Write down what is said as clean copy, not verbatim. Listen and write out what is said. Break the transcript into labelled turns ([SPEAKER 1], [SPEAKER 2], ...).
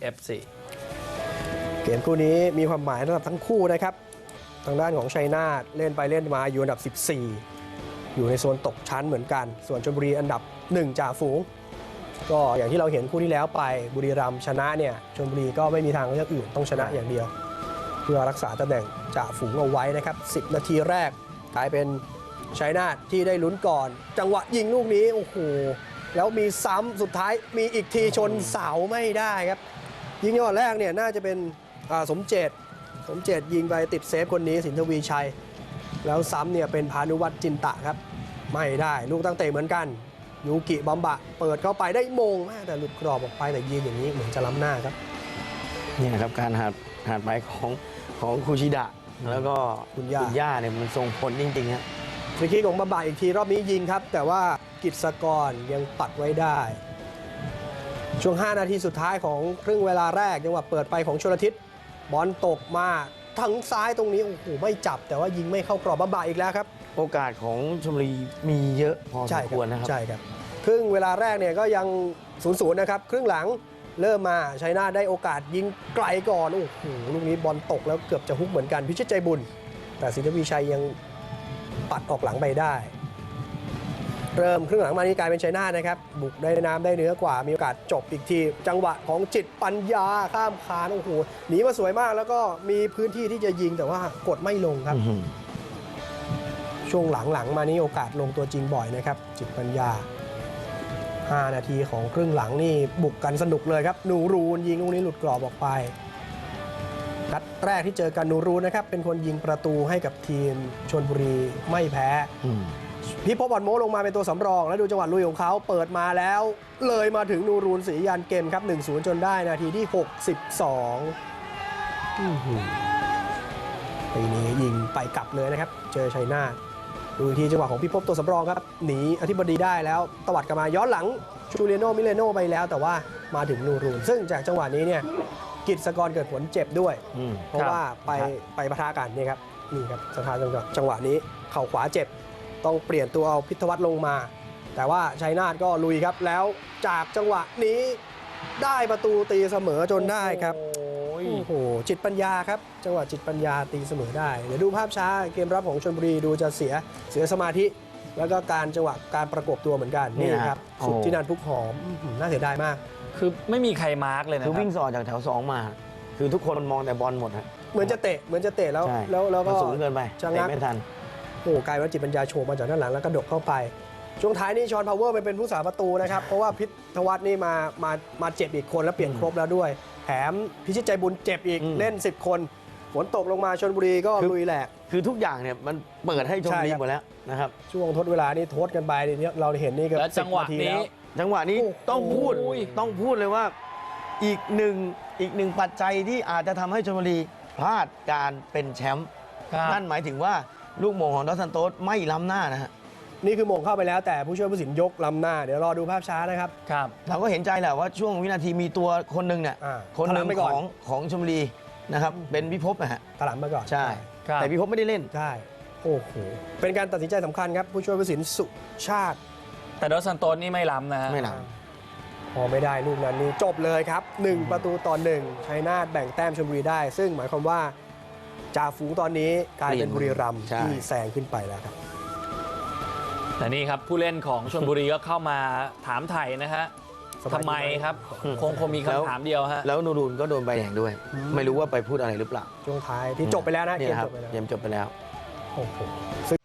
[SPEAKER 1] FC
[SPEAKER 2] เกมคู่นี้มีความหมายสำหรับทั้งคู่นะครับทางด้านของชัยนาทเล่นไปเล่นมาอยู่อันดับ 14 อยู่ในโซนตกชั้นเหมือนกัน ส่วนชลบุรีอันดับ 1 จ่าฝูงก็อย่างที่เราเห็นคู่ที่แล้วไปบุรีรัมย์ชนะเนี่ยชลบุรีก็ไม่มีทางเลือกอื่นต้องชนะอย่างเดียว เพื่อรักษาตำแหน่งจ่าฝูงเอาไว้นะครับ10 นาทีแรกกลายเป็นชัยนาทที่ได้ลุ้นก่อน จังหวะยิงลูกนี้โอ้โหแล้วมีซ้ำสุดท้ายมีอีกทีชนเสาไม่ได้ครับยิงจังหวะแรกเนี่ยน่าจะเป็นสมเจตยิงไปติดเซฟคนนี้สินทวีชัยแล้วซ้ำเนี่ยเป็นพานุวัฒน์จินตะครับไม่ได้ลูกตั้งเตะเหมือนกันยูกิบัมบะเปิดเข้าไปได้มงแต่หลุดกรอบออกไปแต่ยิงอย่างนี้เหมือนจะล้ำหน้าครับ
[SPEAKER 3] นี่ครับการหาดไปของคูชิดะแล้วก็คุณย่าเนี่ยมันส่งผลจริงๆครับ
[SPEAKER 2] ฟรีคิกของบัมบะอีกทีรอบนี้ยิงครับแต่ว่ากิจสกรยังปัดไว้ได้ช่วง5 นาทีสุดท้ายของครึ่งเวลาแรกจังหวะเปิดไปของชลทิศบอลตกมาทั้งซ้ายตรงนี้โอ้โหไม่จับแต่ว่ายิงไม่เข้ากรอบบัมบะอีกแล้วครับ
[SPEAKER 3] โอกาสของชลบุรีมีเยอะพอสมควรนะครับ
[SPEAKER 2] ใช่ครับครึ่งเวลาแรกเนี่ยก็ยัง 0-0 นะครับครึ่งหลังเริ่มมาชัยนาทได้โอกาสยิงไกลก่อนโอ้โหลูกนี้บอลตกแล้วเกือบจะฮุกเหมือนกันพิชิตใจบุญแต่สินทวีชัยยังปัดออกหลังไปได้เริ่มครึ่งหลังมานี้กลายเป็นชัยนาทนะครับบุกได้น้ำได้เนื้อกว่ามีโอกาสจบอีกทีจังหวะของจิตปัญญาข้ามคานโอ้โหหนีมาสวยมากแล้วก็มีพื้นที่ที่จะยิงแต่ว่ากดไม่ลงครับช่วงหลังๆมานี้โอกาสลงตัวจริงบ่อยนะครับจิตปัญญา5 นาทีของครึ่งหลังนี่บุกกันสนุกเลยครับนูรูนยิงลูกนี้หลุดกรอบออกไปนัดแรกที่เจอกันนูรูนนะครับเป็นคนยิงประตูให้กับทีมชลบุรีไม่แพ้พี่พบ บอลโมลงมาเป็นตัวสำรองแล้วดูจังหวะลุยของเขาเปิดมาแล้วเลยมาถึงนูรูนศรียานเกมครับ 1-0 จนได้นาทีที่ 62ปีนี้ยิงไปกลับเลยนะครับเจอชัยนาทดูทีจังหวะของพี่พบตัวสำรองครับหนีอธิบดีได้แล้วตวัดกลับมาย้อนหลังชูเลียโนมิเลโนไปแล้วแต่ว่ามาถึงนูรูนซึ่งจากจังหวะนี้เนี่ยกิจสกรเกิดผลเจ็บด้วยเพราะว่าไปปะทะกันนี่ครับนี่ครับสถานจังหวะนี้เข่าขวาเจ็บต้องเปลี่ยนตัวเอาพิทวัฒน์ลงมาแต่ว่าชัยนาทก็ลุยครับแล้วจากจังหวะนี้ได้ประตูตีเสมอจนได้ครับโอ้โหจิตปัญญาครับจังหวะจิตปัญญาตีเสมอได้เดี๋ยวดูภาพช้าเกมรับของชลบุรีดูจะเสียสมาธิแล้วก็การจังหวะการประกบตัวเหมือนกันนี่ครับสุดที่นันพุกหอมน่าเสียดายมาก
[SPEAKER 1] คือไม่มีใครมาร์กเลยนะ
[SPEAKER 3] คือวิ่งสอดจากแถว2มาคือทุกคนมองแต่บอลหมดฮะ
[SPEAKER 2] เหมือนจะเตะแล้วก็
[SPEAKER 3] สูงเกินไปเตะไม่ทัน
[SPEAKER 2] โอ้กลายเป็นจิตปัญญาโฉบมาจากด้านหลังแล้วกระดกเข้าไปช่วงท้ายนี่ชอนพาวเวอร์ไปเป็นผู้สาประตูนะครับเพราะว่าพิทวัฒน์นี่มาเจ็บอีกคนแล้วเปลี่ยนครบแล้วด้วยแถมพิชิตใจบุญเจ็บอีกเล่น10 คนฝนตกลงมาชลบุรีก็ลุยแหลก
[SPEAKER 3] คือทุกอย่างเนี่ยมันเปิดให้ชลบุรีหมดแล้วนะครับ
[SPEAKER 2] ช่วงทดเวลานี่ทดกันไปนี่เราเห็นนี่ก็
[SPEAKER 1] จังหวะ
[SPEAKER 3] นี้ต้องพูดเลยว่าอีกหนึ่งปัจจัยที่อาจจะทำให้ชลบุรีพลาดการเป็นแชมป์นั่นหมายถึงว่าลูกโมงของดอสซันโตสไม่ล้ำหน้านะฮะ
[SPEAKER 2] นี่คือโมงเข้าไปแล้วแต่ผู้ช่วยผู้สินยกล้ำหน้าเดี๋ยวรอดูภาพช้านะครับ
[SPEAKER 3] เราก็เห็นใจแหละว่าช่วงวินาทีมีตัวคนหนึ่งเนี่ยคนหนึ่งของชลบุรีนะครับเป็นพิภพนะฮะ
[SPEAKER 2] ตลาดมาก่อน
[SPEAKER 3] ใช่แต่พิภพไม่ได้เล่น
[SPEAKER 2] ใช่โอ้โหเป็นการตัดสินใจสำคัญครับผู้ช่วยผู้สินสุชาติ
[SPEAKER 1] แต่ดอสซันโตสนี่ไม่ล้ำนะฮะ
[SPEAKER 3] ไม่ล้
[SPEAKER 2] ำพอไม่ได้ลูกนั้นนี่จบเลยครับ1-1ชัยนาทแบ่งแต้มชลบุรีได้ซึ่งหมายความว่าจ่าฝูงตอนนี้กลายเป็นบุรีรัมย์ที่แซงขึ้นไปแล้วครับ
[SPEAKER 1] แต่นี่ครับผู้เล่นของชลบุรีก็เข้ามาถามไถ่นะฮะทำไมครับคงมีคำถามเดียวฮะ
[SPEAKER 3] แล้วนูรูนก็โดนใบแดงด้วยไม่รู้ว่าไปพูดอะไรหรือเปล่า
[SPEAKER 2] ช่วงท้ายที่จบไปแล้วนะ
[SPEAKER 3] เกมจบไปแล้ว
[SPEAKER 2] โอ้โห